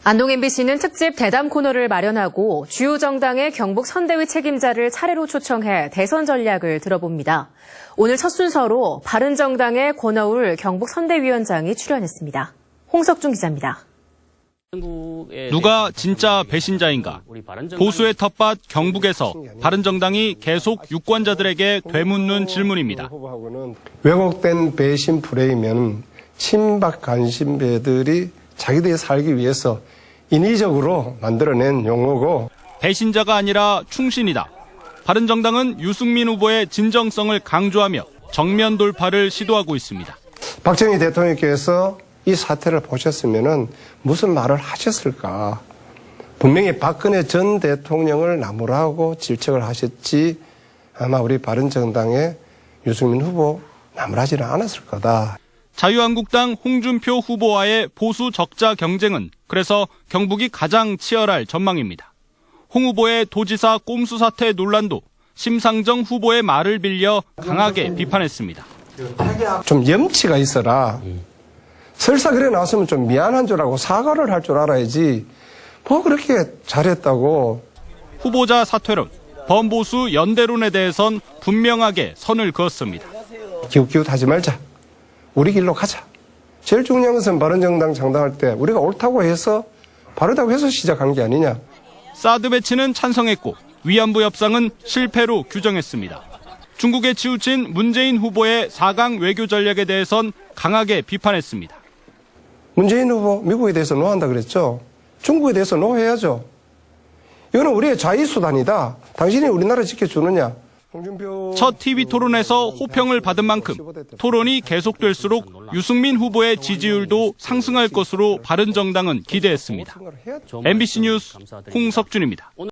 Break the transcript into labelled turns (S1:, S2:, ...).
S1: 안동 MBC는 특집 대담 코너를 마련하고 주요 정당의 경북 선대위 책임자를 차례로 초청해 대선 전략을 들어봅니다. 오늘 첫 순서로 바른정당의 권어울 경북 선대위원장이 출연했습니다. 홍석중 기자입니다.
S2: 누가 진짜 배신자인가? 보수의 텃밭 경북에서 바른정당이 계속 유권자들에게 되묻는 질문입니다.
S3: 왜곡된 배신 프레임은 친박 간신배들이 자기들이 살기 위해서 인위적으로 만들어낸 용어고,
S2: 배신자가 아니라 충신이다. 바른정당은 유승민 후보의 진정성을 강조하며 정면 돌파를 시도하고 있습니다.
S3: 박정희 대통령께서 이 사태를 보셨으면 무슨 말을 하셨을까? 분명히 박근혜 전 대통령을 나무라고 질책을 하셨지 아마 우리 바른정당의 유승민 후보 나무라지는 않았을 거다.
S2: 자유한국당 홍준표 후보와의 보수 적자 경쟁은 그래서 경북이 가장 치열할 전망입니다. 홍 후보의 도지사 꼼수 사태 논란도 심상정 후보의 말을 빌려 강하게 비판했습니다.
S3: 좀 염치가 있어라. 설사 그래 나왔으면 좀 미안한 줄 알고 사과를 할 줄 알아야지. 뭐 그렇게 잘했다고.
S2: 후보자 사퇴론, 범보수 연대론에 대해선 분명하게 선을 그었습니다.
S3: 기웃기웃하지 말자. 우리 길로 가자. 제일 중요한 것은 바른정당 창당할 때 우리가 옳다고 해서 바르다고 해서 시작한 게 아니냐.
S2: 사드 배치는 찬성했고 위안부 협상은 실패로 규정했습니다. 중국에 치우친 문재인 후보의 4강 외교 전략에 대해선 강하게 비판했습니다.
S3: 문재인 후보 미국에 대해서 노한다 그랬죠. 중국에 대해서 노해야죠. 이거는 우리의 자의수단이다. 당신이 우리나라 지켜주느냐.
S2: 첫 TV 토론에서 호평을 받은 만큼 토론이 계속될수록 유승민 후보의 지지율도 상승할 것으로 바른정당은 기대했습니다. MBC 뉴스 홍석준입니다.